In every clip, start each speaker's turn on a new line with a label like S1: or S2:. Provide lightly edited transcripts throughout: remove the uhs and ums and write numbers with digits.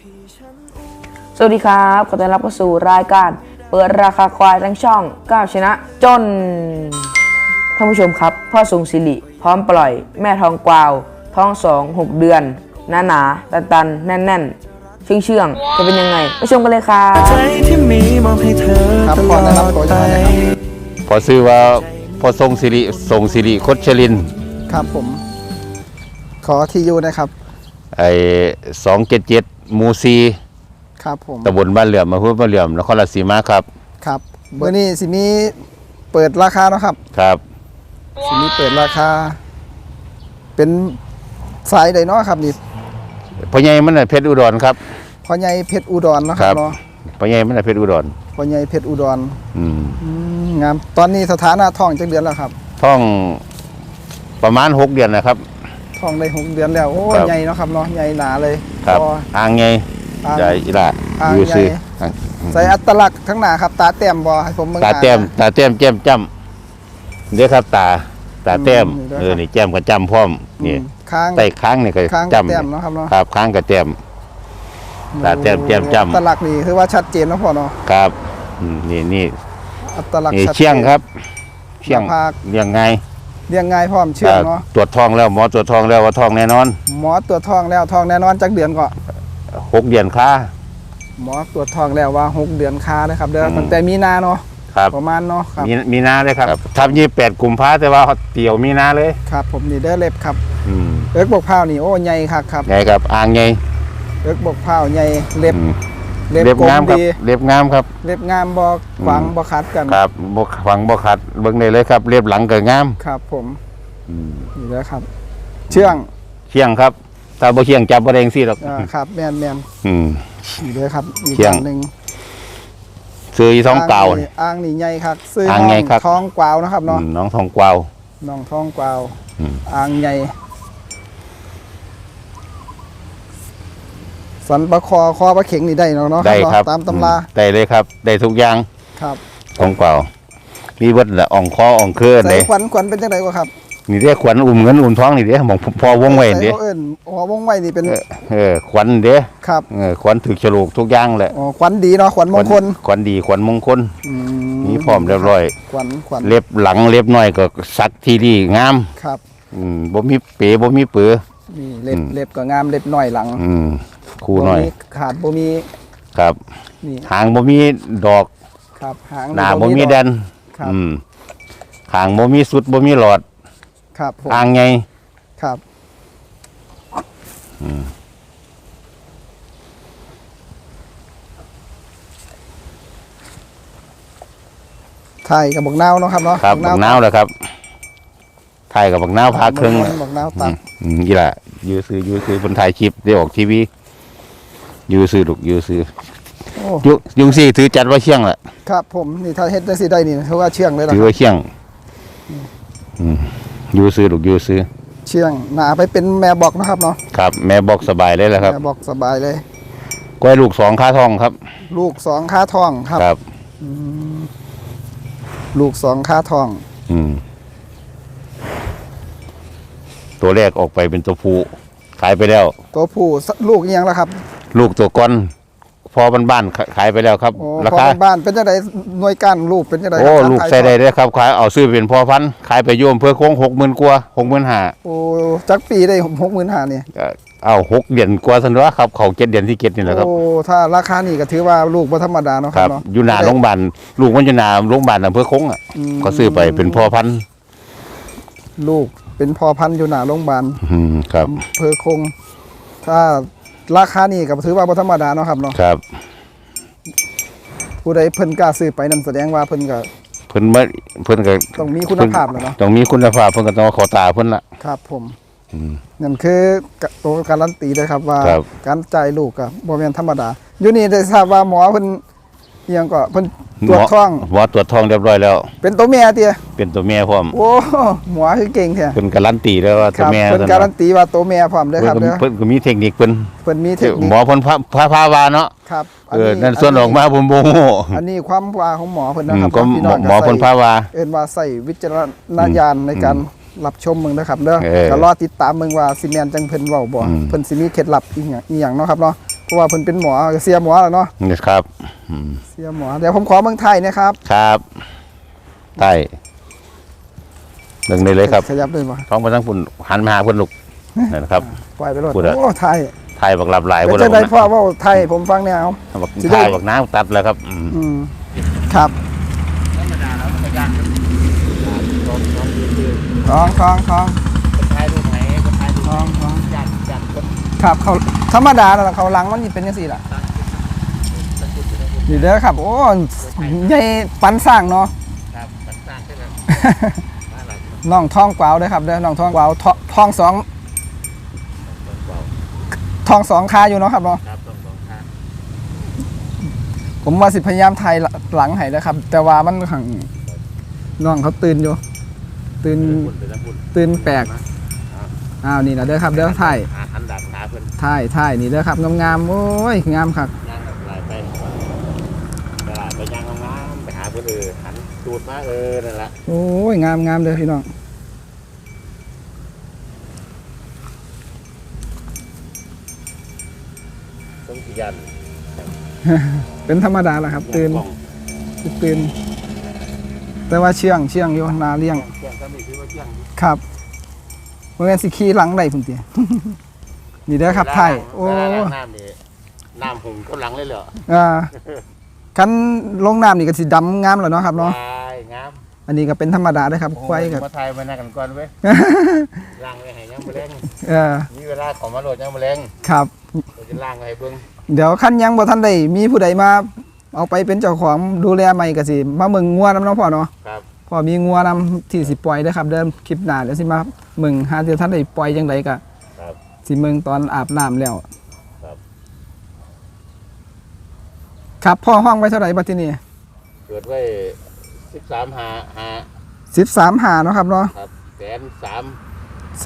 S1: สวัสดีครับขอต้อนรับเข้าสู่รายการเปิดราคาควายทั้งช่องก้าวชนะจนท่านผู้ชมครับพ่อทรงศิริพร้อมปล่อยแม่ทองกวาวท้อง6 เดือนหนาตันแน่นเชื่องจะเป็นยังไงไปชมกันเลยครับใจที่มีมอบให้เธอตลอดไป
S2: พอซื้อว่าพอทรงศิริคชลิน
S3: ครับผมขอที่อยู่นะครับ
S2: ไอ้277หมู่4
S3: ครับผม
S2: ตำบลบ้านเหลื่อมอำเภอบ้านเหลื่อมนครราชสีมาครับ
S3: ครับเบอร์นี้สิมีเปิดราคาเนาะครับ
S2: ครับ
S3: สิมีเปิดราคาเป็นสายใดเนาะครับนี่
S2: พ่อใหญ่มันเพชรอุดรครับ
S3: พ่อใหญ่เพชรอุดรนะครับเนาะ
S2: พ่อใหญ่มันเพชรอุดร
S3: พ่อใหญ่เพชรอุดรงามตอนนี้สถานะท้องจักเดือนแล้วครับ
S2: ท้องประมาณ6 เดือนนะครับ
S3: ท้องได้6 เดือนแล้วโอ้ใหญ่เนาะครับเนาะใหญ่หนาเลย
S2: ครับอ่างใหญ่ใหญ่อีหล่ะอยู่ซื่อ
S3: ใส่อัตลักษณ์ทั้งหน้าครับตาแต้มบ่ให้ผมเบิ่ง
S2: ตาแต้มแจ่มจ้ำเด้อครับตาแต้มนี่แจ่มกับจ้ำพร้อมนี่ใต้ค้างนี่ก็จ้ำ
S3: เนาะครับเนาะ
S2: ครับค้างกับแต้มตาแต้มแจ่มจ้ำ
S3: อัตลักษณ์นี่คือว่าชัดเจนเนาะพ่อเนาะ
S2: ครับนี่
S3: อัตลักษณ์
S2: เชี่ยงครับเชี่ยงเลี้ยงไง
S3: พร้อมเชื่องเนาะ
S2: ตรวจท้องแล้วหมอตรวจท้องแล้วว่าท้องแน่นอน
S3: หมอตรวจท้องแล้วท้องแน่นอนจักเดือนก็
S2: 6 เดือนค่า
S3: หมอตรวจท้องแล้วว่า6 เดือนค่านะครับเด้อตั้งแต่มีนาเนาะประมาณเนาะครับ
S2: มีนาเลยครับทับ28 กุมภาแต่ว่าเตี่ยวมีนาเลย
S3: ครับผมนี่เด้อเล็บครับบกเผานี่โอ้ใหญ่ครับ
S2: ใหญ่ครับอ่างใหญ่
S3: บกเผาใหญ่เล็บ
S2: งามครับเล็บงามครับ
S3: เล็บงามบ่ขวางบ่ขัดกัน
S2: ครับบ่ขวางบ่ขัดเบิ่งได้เลยครับเล็บหลังก็งาม
S3: ครับผมนี่แล้วครับเชื่อง
S2: ครับถ้าบ่เชื่องจับบ่ได้จังซี่หรอก
S3: ครับแม่นนี่เด้อครับอีกอย่างนึง
S2: ซื้อท้องเก่า
S3: อ่างนี่ใหญ่ครับซื้อท้องกวาวนะครับเนาะ
S2: น้องทองกวาว
S3: น้องทองกวาวอ่างใหญ่สันปะคอปะเข็งนี่ได้เนาะ
S2: ได้ครับ
S3: ตามตำรา
S2: ได้เลยครับได้ทุกอย่าง
S3: ครับ
S2: ทองกวาวมีเบิดละอ่องคออ่องเคลื่อนเลย
S3: ขวัญเป็นจังไดกว่าครับ
S2: นี่เด้ขวัญอุ้มเงินอุ้มท้องนี่เด้มองพอวงไว้เด้
S3: วงไว้นี่เป็น
S2: ขวัญเด้
S3: ครับ
S2: ขวัญถือฉลกทุกอย่างแหละ
S3: ขวัญดีเนาะขวัญมงคล
S2: ขวัญดีขวัญมงคลนี่พร้อมเรียบร้อย
S3: ขวัญ
S2: เล็บหลังเล็บน้อยก็สักทีดีงาม
S3: ครับ
S2: บ่มีเป๋บ่มีเปื้อ
S3: นี่เล็บก็งามเล็บน้อยหลัง
S2: คู่น้อย
S3: ขาดบ่มี
S2: ครับหางบ่มีดอก
S3: ครับหาง
S2: หน้าบ่มีแดนหางบ่มีสุดบ่มีหลอด
S3: ครับ
S2: อ่างไง
S3: ครับไทยกับบักนาวเนาะครับเนาะ
S2: ครับบักนาวเลยครับไทยกับบักนาวพาครึ่ง
S3: บักนาวตัด
S2: นี่แหละยื้อซื้อบนถ่ายคลิปได้ออกทีวียื้อซื้อยุงซี่ถือจัดว่าเชี่ยงแหละ
S3: ครับผมนี่ถ้าเฮ็ดได้สิได้นี่เพราะว่าเชี่ยงเลยนะ
S2: ถือว่าเชี่ยงยื้อซื้อ
S3: เชี่ยงหนาไปเป็นแม่บอกนะครับเนาะ
S2: ครับแม่บอกสบายเลยแหละครับ
S3: แม่บอกสบายเลย
S2: ก้อยลูก2ค่าทองครับ
S3: ลูก2ค่าทอง
S2: ครับ
S3: ลูก2ค่าทอง
S2: ตัวแรกออกไปเป็นตัวผู้ขายไปแล้ว
S3: ตัวผู้ลูกยังแล้วครับ
S2: ลูกตัวก้อนพอบ้านขายไปแล้วครับ
S3: ราคาบ้านเป็นจังไดหน่วยก้านลูกเป็นจังได
S2: โอ้ลูกใส่ได้เลยครับขายเอาซื้อเป็นพ่อพันธุ์ขายไปโยมเพื่อโค้ง60,000 กว่า 65,000
S3: โอ้จักปีได้65,000นี่
S2: เอา6 เดือนกว่าซั่นเนาะครับเขา7 เดือนที่7นี่แหละครับ
S3: โอ้ถ้าราคานี่ก็ถือว่าลูกบ่ธรรมดาเนาะครับ
S2: อยู่หน้าโรงพยาบาลลูกมันอยู่หน้าโรงพยาบาลอำเภอคงอ่ะก็ซื้อไปเป็นพ่อพันธุ์
S3: ลูกเป็นพ่อพันธุ์อยู่หน้าโรงพยาบาล
S2: ครับ
S3: อำเภอคงถ้าราคานี่ก็ถือว่าบ่ธรรมดาเนาะครับเนาะ
S2: ครับ
S3: ผู้ใดเพิ่นกล้าซื้อไปนั่นแสดงว่าเพิ่นก็ต้องมีคุณภาพแล้วเนาะ
S2: ต้องมีคุณภาพเพิ่นก็ต้องขอตาเพิ่นละ
S3: ครับผมนั่นคือตัวการันตีเลยครับว่าการจ่ายลูกก็บ่แม่นธรรมดาอยู่นี่ได้ทราบว่าหมอเพิ่นยังก็เพิ่นตรวจท้อง
S2: หมอตรวจท้องเรียบร้อยแล้ว
S3: เป็นตัวแม่เตี้ย
S2: เป็นตัวแม่พร้อม
S3: โอ้หมอคือเก่งแท้
S2: เพิ่นการันตีแล้วว่าตัวแม่
S3: เพิ่นการันตีว่าตัวแม่พร้อมเด้อครับเด้อ
S2: เพิ่นก็มีเทคนิคเพิ่น
S3: มีเทคนิค
S2: หมอเพิ่นพาวาเนาะ
S3: ครับ
S2: นั่นส่วนออกมาผมบ่ฮู้
S3: อันนี้ความว่าของหมอเพิ่นนะครับ
S2: พี่น้องหมอเพิ่นพาวา
S3: เอิ้นว่าใส่วิจารณญาณในการรับชมมึงนะครับเด้อก็รอติดตามมึงว่าสิแม่นจังเพิ่นเว้าบ่เพิ่นสิมีเคล็ดลับอีหยังเนาะครับเนาะเพราะว่าเพิ่นเป็นหมอเสียหมอแล้วเนาะ
S2: นี่ครับ
S3: เสียหมอเดี๋ยวผมขอเมืองไทยนะครับ
S2: ครับใต้เบิ่งได้เลยครับ
S3: ขยับเลยบ่
S2: ท้องไปทั้งฝุ่นหันมาหาเพิ่นลูกนั่นนะครับ
S3: ปล่อยไปเลย
S2: พูดอะ
S3: โอ้ไทย
S2: ไทยบักหลับหลาย
S3: เป็น
S2: บ่
S3: จังได๋พ่อ
S2: นะ
S3: เว้าไทยผมฟังแนว
S2: บัก
S3: สิได้
S2: ไทยบักน้ำตัดแล้วครับ
S3: อืมครับท้องท้องท้องท้องท้องครับเขาธรรมดาแล้วเขาหลังมันสิเป็นจังซี่ล่ะนี่เด้อครับ โอ้ใหญ่ปันสร้างเนาะ
S2: ครับตัดสร้างขึ้นแล้ว
S3: น้องท้องกวาวเด้อครับเด้อน้องท้องกวาวท้องสองคาอยู่เนาะครับเนาะ
S2: ครับต้องสองข้าง
S3: ผมว่าสิพยายามถ่ายหลังให้นะครับ แต่ว่ามันขังน้องเขาตื่นอยู่ตื่นแปลกอ้าวนี่นะเด้อครับเด้อถ่าย
S2: หันดักขาเพิ่น
S3: ถ่ายนี่เด้อครับงามๆโอ้ยงามครับ
S2: ย่างแบบลายไปตลาดไปย่างงามๆไปหาเพิ่นหันตูดมานั่นแหละ
S3: โอ้ยงามเด้อพี่น้อง
S2: ต้องขยัน
S3: เป็นธรรมดาแหละครับตื่นแต่ว่าเชื่องอยู่นาเลี้ยง
S2: เที่ยงก็มีคือว่าเที่ยง
S3: ครับเมื่อสิขี่หลังได้พุ่นเตีย นี่เด้อครับถ่ายโอ้
S2: น้ำนี่น้ำหงก็หลังเลยเหรอ
S3: คันลงน้ำนี่ก็สิดำงามแล้วเนาะครับเนาะ
S2: งาม
S3: อันนี้ก็เป็นธรรมดาเด้อครับควายกับ
S2: มาไทยมาหน้ากันก่อนเว้ยล่างไว้ให้ยังมะเร็ง มีเวลาของมาโหลดยังมะเร็ง
S3: ครับ
S2: เราจะล่างไว้ให้เบิ่ง
S3: เดี๋ยวคันยังบ่ทันได้มีผู้ใดมาเอาไปเป็นเจ้าของดูแลใหม่ก็สิมาเมืองงัวนำเนาะพ่อเนาะ
S2: ครับ
S3: พ่อมีงัวนำที่สิปล่อยเด้อครับเดิมคลิปหน้าเดี๋ยวสิมาเมืองหาเดี๋ยวท่านได้ปล่อยจังไดก็
S2: ครับ
S3: สิเมืองตอนอาบน้ำแล้ว
S2: ครับ
S3: ครับพ่อห้องไว้เท่าไหร่บัดทีนี้
S2: เกิดไว้13 หา
S3: 13หาเนาะครับเนาะ
S2: ครับ130,000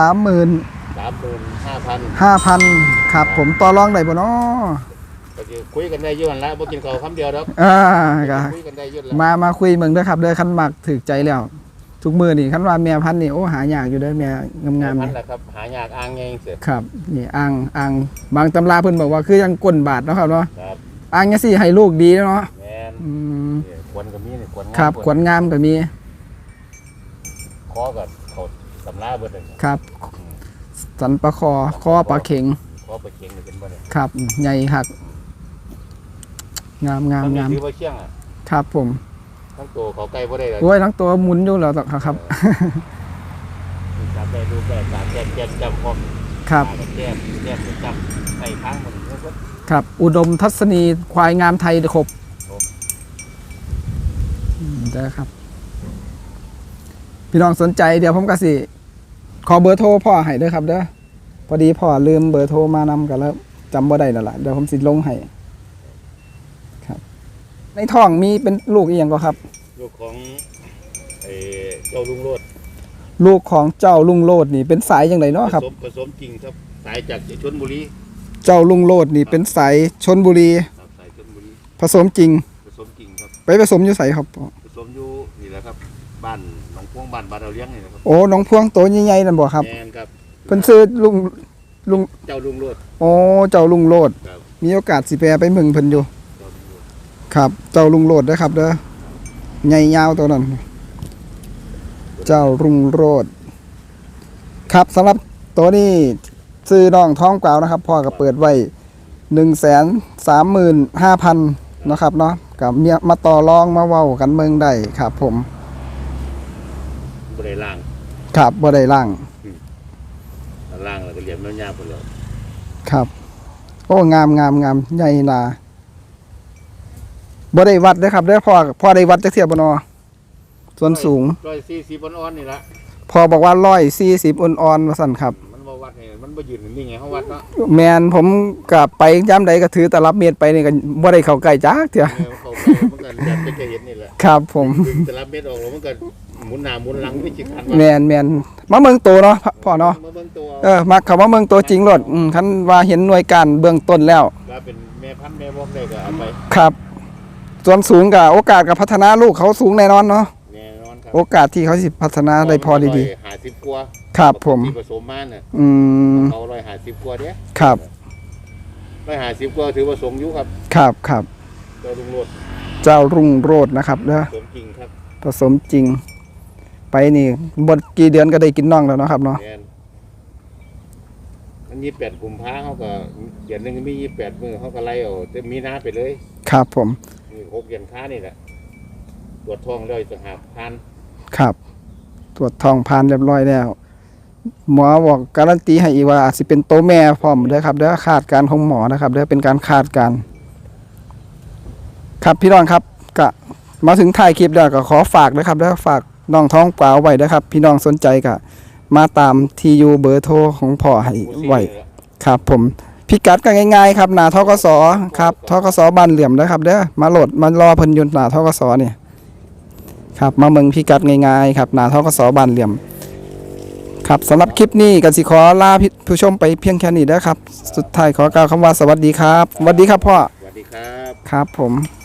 S3: 130,000
S2: 5,000
S3: 5,000ครับผมต่อรองได้บ่เนาะ
S2: ก็จะคุยกันได้อยู่หั่นละบ่กินข้าวคำเดียวดอก
S3: ก็
S2: คุยกันได้อยู่แล้ว
S3: มาคุยเมืองเด้อครับเด้อคันมักถูกใจแล้ว ทุกมื้อนี่คันว่าแม่พันธุ์นี่โอ้หายากอยู่เด้อแม่งามๆ
S2: นั่
S3: นี่
S2: นแหละครับหายากอ้างไงเสีย
S3: ครับนี่อ่างบางตำราเพิ่นบอกว่าคือยังก้นบาดเนาะครับเนาะ
S2: ครับ
S3: อ่างจังซี่ให้ลูกดีเนาะ
S2: แม่น
S3: อืม
S2: เนี่ยควรก็มีนี่ควรงาม
S3: ครับขวัญงามก็มี
S2: คอก็เขาตำราเบิดเลย
S3: ครับสันปลาคอปลาเข็ง
S2: คอไปเคียงนี่เป็นบ่เนี่ย
S3: ครับใหญ่คักงาม
S2: มันถือว่าเชียงอ่ะ
S3: ครับผม
S2: ทั้งตัวเขาใกล้บ่ได้เลย
S3: โอ้ยทั้งตัวหมุนอยู่แล้วครับ
S2: จับได้ดูแบบการแก้มจำพร้อม
S3: ครับ
S2: แก้มจำใส่ค้างมันแล้วก็
S3: ครับอุดมทัศนีควายงามไทยครบได้ครับ พี่น้องสนใจเดี๋ยวผมก็สิขอเบอร์โทรพ่อให้เด้อครับเด้อพอดีพ่อลืมเบอร์โทรมานำกันแล้วจำบ่ได้แล้วล่ะเดี๋ยวผมสิลงให้ครับ ในท้องมีเป็นลูกอีหยังก็ครับ
S2: ลูกของเจ้าลุงโลด
S3: ลูกของเจ้าลุงโลดนี่เป็นสายจังไดเนาะครับ
S2: ผสมจริงครับสายจากชลบุรี
S3: เจ้าลุงโลดนี่เป็นสายชนบุรี
S2: ครับสายชลบุรี
S3: ผสมจริง
S2: ผสมจริงครับ
S3: ไปผสมอยู่ไสครับ
S2: ผสมอยู่นี่แหละครับบ้านหนองพวงบ้านเราเลี้ยงนี่นะครับ
S3: โอ้น้องพวงโตใหญ่ๆนั่นบ่ครับ
S2: แม่นครับ
S3: เพิ่นซื้อลุง
S2: เจ้าลุงโลด
S3: โอ้เจ้าลุงโลด
S2: ครับ
S3: มีโอกาสสิแปรไปเมืองเพิ่นอยู่
S2: เจ้าลุงโลด
S3: ครับ เจ้าลุงโลดเด้อครับเด้อใหญ่ยาวตัวนั้น เจ้าลุงโลดครับสำหรับตัวนี้ซื้อน้องท้องกวาวนะครับพ่อก็เปิดไว้ 135,000นะครับเนาะกับเมียมาต่อรองมาเว้ากันเมืองได้ครับ ผม
S2: บ่ได้ล่าง
S3: ครับบ่ได้ล่าง
S2: ล่างแล้วก็เหลี่ยมยาวๆไปเลย
S3: ครับ โอ้งามใหญ่นาบ่ได้วัดเด้อครับเด้อพ่อได้วัดจักเทียบบ่เนาะส่วนสูง
S2: 140อ่อนๆนี่ละ
S3: พ่อบอกว่า140อ่อนๆว่าซั่นครับ
S2: มันบ่วัดให้มันบ่ยืนนิ่งไงเฮาวัดเนาะ
S3: แมนผมก็ไปย้ำใดก็ถือตลับเมตรไปนี่ก็บ่ได้เข้าใกล้จักเทื่อ
S2: เขาไปมันก็ยัดไปเห็นนี่แหละ
S3: ครับผม
S2: ดึงแต่ละเม็ดออกแล้วมันก็หมุนหน้าหมุนหลังไม่จิคัน
S3: แมนมาเมืองโตเนาะพ่อเนาะ
S2: มาเบิ่งตัว
S3: มักคำว่าเมืองโตจริงโลดคันว่าเห็นหน่วยการเบื้องต้นแล้ว
S2: ว่าเป็นแม่พันธุ์แม่บอกได้ก็เอาไป
S3: ครับ ส่วนสูงก็โอกาสกับพัฒนาลูกเขาสูงแน่นอนเนาะ
S2: แน่นอนครับ
S3: โอกาสที่เขาสิพัฒนาได้พอดี
S2: 50กว่า
S3: ๆครับผม
S2: ที่ผสมมาน่ะ
S3: อืม
S2: เขา150กว่าเด้
S3: ครับ
S2: 150ก็ถือว่าสูงอยู่ครับ
S3: ครับครับ
S2: เจ้าลุงโลด
S3: เจ้ารุ่งโรจน์นะครับเด้อ
S2: สมจริงครับ
S3: ผสมจริง ไปนี่บดกี่เดือนก็ได้กินน่องแล้วเนาะครับเนาะ
S2: แม่นมัน28กุมภาเขาก็เดือนหนึงมี28มื้อเขาก็ไล่เอาแต่มีนาไปเลย
S3: ครับผม
S2: มี6เดือนค้านี่แหละตรวจท้องแล้วจะหาผ่าน
S3: ครับ ตรวจทองผ่านเรียบร้อยแล้ว หมอบอกการันตีให้อีกว่าอาจสิเป็นโตแม่พร้อมเด้อครับเด้อคาดการณ์ของหมอนะครับเด้อเป็นการคาดการณ์ครับพี่น้องครับก็มาถึงท้ายคลิปแล้วก็ขอฝากนะครับเด้อฝากน้องท้องเปล่าไว้นะครับ พี่น้องสนใจก็มาตามที่อยู่เบอร์โทรของพ่อให้ไว้ครับผมพิกัดก็ง่ายๆครับหน้าทกสครับทกสบ้านเหลื่อมนะครับเด้อมาโหลดมารอเพิ่นอยู่หน้าทกสเนี่ยครับมาเมืองพิกัดง่ายๆครับหน้าทกสบ้านเหลื่อมครับสำหรับคลิปนี้ก็สิขอลาผู้ชมไปเพียงแค่นี้เด้อครับสุดท้ายขอกล่าวคำว่าสวัสดีครับสวัสดีครับพ่อ
S2: สวัสดีครับ
S3: ครับผม